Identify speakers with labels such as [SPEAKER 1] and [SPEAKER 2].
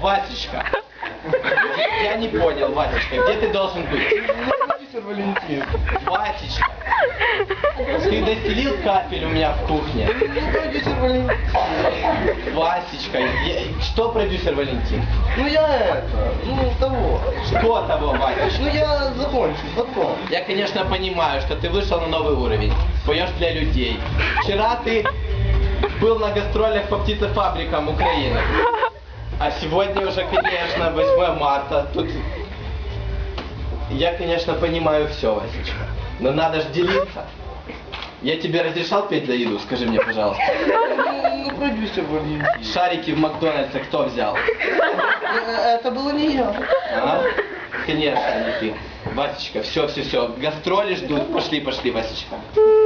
[SPEAKER 1] Васечка, я не понял, Васечка, где ты должен быть?
[SPEAKER 2] Продюсер Валентин.
[SPEAKER 1] Васечка, ты достелил кафель у меня в кухне?
[SPEAKER 2] Продюсер Валентин.
[SPEAKER 1] Васечка, что продюсер Валентин?
[SPEAKER 2] Ну я это, ну того.
[SPEAKER 1] Что того, Васечка?
[SPEAKER 2] Ну я закончу, потом.
[SPEAKER 1] Я, конечно, понимаю, что ты вышел на новый уровень, поешь для людей. Вчера ты был на гастролях по птицефабрикам Украины. А сегодня уже, конечно, 8 марта. Тут я, конечно, понимаю все, Васечка. Но надо же делиться. Я тебе разрешал петь за еду? Скажи мне, пожалуйста.
[SPEAKER 2] Ну, продюсер Валентин.
[SPEAKER 1] Шарики в Макдональдсе кто взял?
[SPEAKER 2] Это было не я.
[SPEAKER 1] А? Конечно, не ты. Васечка, все. Гастроли ждут. Пошли, Васечка.